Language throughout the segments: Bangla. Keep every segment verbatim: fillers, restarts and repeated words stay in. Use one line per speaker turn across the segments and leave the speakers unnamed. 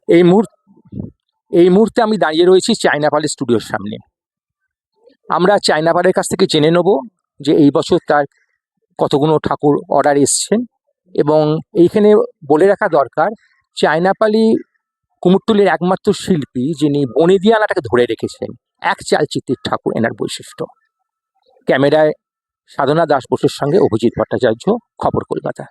এই মুহূর্তে এই মুহূর্তে আমি দাঁড়িয়ে রয়েছি চায়নাপালের স্টুডিওর সামনে। আমরা চায়নাপালের কাছ থেকে জেনে নেব যে এই বছর তার কতগুলো ঠাকুর অর্ডার এসছেন, এবং এইখানে বলে রাখা দরকার চায়নাপালি কুমোরটুলির একমাত্র শিল্পী যিনি বনেদিয়ানাটাকে ধরে রেখেছেন। এক চালচিত্রের ঠাকুর এনার বৈশিষ্ট্য। ক্যামেরায় সাধনা দাস বসুর সঙ্গে অভিজিৎ ভট্টাচার্য, খবর কলকাতা।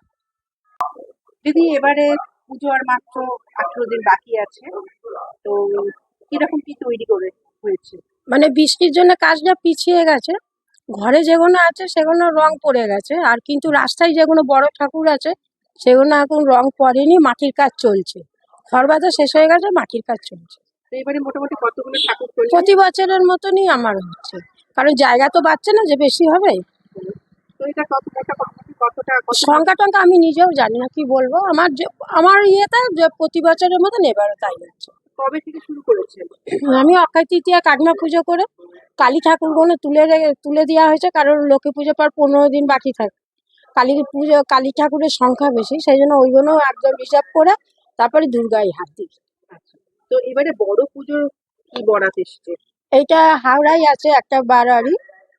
দিদি, এবারে পুজো আর মাত্র আঠারো দিন বাকি আছে, তো কিরকম কি তৈরি করে হয়েছে?
মানে বৃষ্টির জন্য কাজটা পিছিয়ে গেছে। ঘরে যেগুলো আছে সেগুলো রং পড়ে গেছে, আর কিন্তু রাস্তায় যেগুলো বড় ঠাকুর আছে সেগুলো এখন রং পড়েনি, মাটির কাজ চলছে। ঘর বাঁধা শেষ হয়ে গেছে, মাটির কাজ চলছে।
তো এবারে মোটামুটি কতগুলো ঠাকুর চলছে?
প্রতি বছরের মতনই আমার হচ্ছে, কারণ জায়গা তো বাড়ছে না যে বেশি হবে।
তো এটা কত মোটামুটি কতটা কত-
সংখ্যা টঙ্কা আমি নিজেও জানি না, কি বলবো। আমার যে আমার ইয়েতে যে প্রতি বছরের মতন এবারও তাই হচ্ছে।
কবে থেকে শুরু করেছেন?
আমি অক্ষয় তৃতীয়া কাকিমা পুজো করে কালী ঠাকুরগুলো তুলে রে- তুলে দেওয়া হয়েছে, কারণ লক্ষ্মী পুজো পর পনেরো দিন বাকি থাকে। কালী পুজো কালী ঠাকুরের সংখ্যা বেশি, সেই জন্য ওইগুলো একদম রিজার্ভ করে তারপরে দুর্গায় হাত দিই।
আচ্ছা, তো এবারে বড় পুজোর কি বরাত এসছে?
এইটা হাওড়ায় আছে একটা বারারি,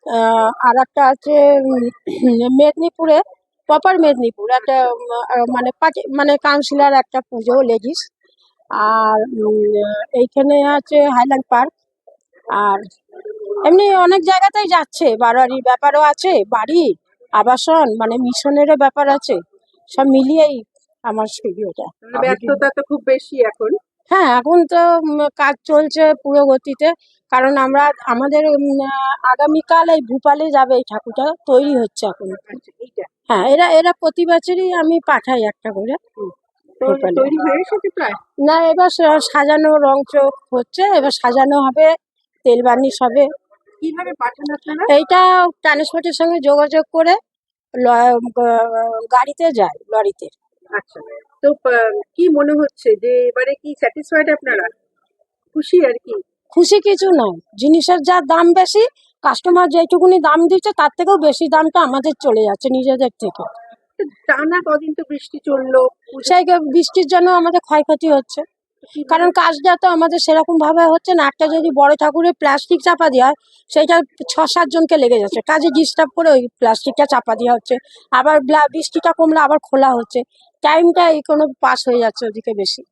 আর একটা আছে উম, মেদিনীপুরে, প্রপার মেদিনীপুর একটা উম, আহ, মানে পার্টি মানে কাউন্সিলর একটা পুজো লেডিস। আর উম, এইখানে আছে হাইল্যান্ড পার্ক। আর এমনি অনেক জায়গাতেই যাচ্ছে, বাড়ারির ব্যাপারও আছে, বাড়ি আবাসন মানে মিশনেরও ব্যাপার আছে, সব মিলিয়েই আমার স্টুডিওটা।
মানে ব্যস্ততা তো খুব বেশি এখন।
হ্যাঁ, এখন তো উম, কাজ চলছে পুরো গতিতে, কারণ আমরা আমাদের উম, আহ, আগামীকাল এই ভূপালে যাবে, এই ঠাকুরটা তৈরি হচ্ছে এখন।
আচ্ছা, এইটা
হ্যাঁ, এরা এরা প্রতি বছরই আমি পাঠাই একটা করে
তো
ভোপালে।
তৈরি হয়ে এসেছে প্রায়?
না, এবার সা- সাজানো রং চোখ হচ্ছে, এবার সাজানো হবে, তেল বার্নিশ হবে।
কিভাবে পাঠান আপনারা?
এইটা ট্রান্সপোর্টের সঙ্গে যোগাযোগ করে ল- গ- গাড়িতে যায়, লরিতে।
আচ্ছা, তো আহ, কি মনে হচ্ছে যে এবারে কি স্যাটিসফাইড আপনারা? খুশি আর কি?
খুশি কিছু নয়, জিনিসের যা দাম বেশি, কাস্টমার যেটুকুনি দাম দিচ্ছে তার থেকেও বেশি দামটা আমাদের চলে যাচ্ছে নিজেদের থেকে।
তো টানা কদিন তো বৃষ্টি চললো, পুজো
সেই গে- বৃষ্টির জন্য আমাদের ক্ষয়ক্ষতি হচ্ছে,
কিভাবে-
কারণ কাজটা তো আমাদের সেরকম ভাবে হচ্ছে না। একটা যদি বড় ঠাকুরের প্লাস্টিক চাপা দেওয়া হয়, সেইটা ছ সাত জনকে লেগে যাচ্ছে, কাজে ডিস্টার্ব করে ওই প্লাস্টিকটা চাপা দেওয়া হচ্ছে, আবার ব্লা- বৃষ্টিটা কমলে আবার খোলা হচ্ছে, টাইমটা এই কোনো পাস হয়ে যাচ্ছে ওদিকে বেশি।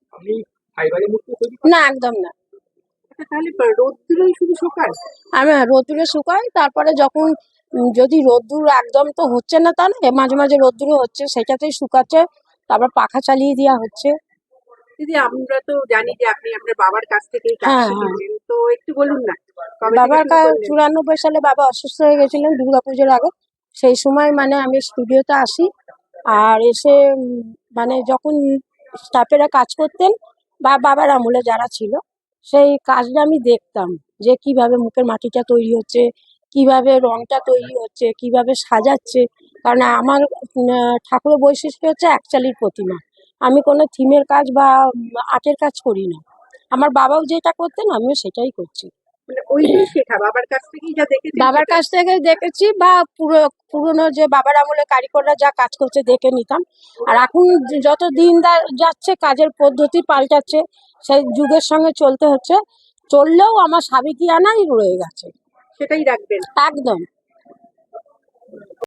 না, একদম না।
আচ্ছা, তাহলে রোদ্দুরেই শুধু শোকায়?
আমি রোদ্দুরে শুকাই, তারপরে যখন উম, যদি রোদ্দুর একদম তো হচ্ছে না তা না, মাঝে মাঝে রোদ্দুরও হচ্ছে, সেটাতেই শুকাচ্ছে, তারপর পাখা চালিয়ে দেওয়া হচ্ছে।
দিদি, আমরা তো জানি যে আপনি আপনার বাবার কাছ থেকেই কাজ
হ্যাঁ, হ্যাঁ।
শিখেছেন, তো একটু বলুন না কবে থেকে
বাবার
শুরু
কা
করলেন?
চুরানব্বই সালে বাবা অসুস্থ হয়ে গেছিলেন দুর্গাপুজোর আগে। সেই সময় মানে আমি স্টুডিওতে আসি, আর এসে উম, মানে যখন স্টাফেরা কাজ করতেন বা বাবার আমলে যারা ছিল, সেই কাজটা আমি দেখতাম, যে কিভাবে মুখের মাটিটা তৈরি হচ্ছে, কিভাবে রংটা তৈরি হচ্ছে, কিভাবে সাজাচ্ছে। কারণ আমার উম, আহ, ঠাকুরের বৈশিষ্ট্য হচ্ছে একচালির প্রতিমা। আমি কোনো থিমের কাজ বা আর্টের কাজ করি না। আমার বাবাও যেটা করতেন আমিও সেটাই করছি।
মানে ওইটাই শেখা, বাবার কাছ থেকেই যা দেখেছেন
বাবার
সেটা?
কাছ থেকে দেখেছি, বা পুরো পুরনো যে বাবার আমলে কারিগররা যা কাজ করছে দেখে নিতাম। আর এখন যত দিন দা- যাচ্ছে কাজের পদ্ধতি পাল্টাচ্ছে, সেই যুগের সঙ্গে চলতে হচ্ছে। চললেও আমার সাবেকিয়ানাই রয়ে গেছে।
সেটাই রাখবেন?
একদম।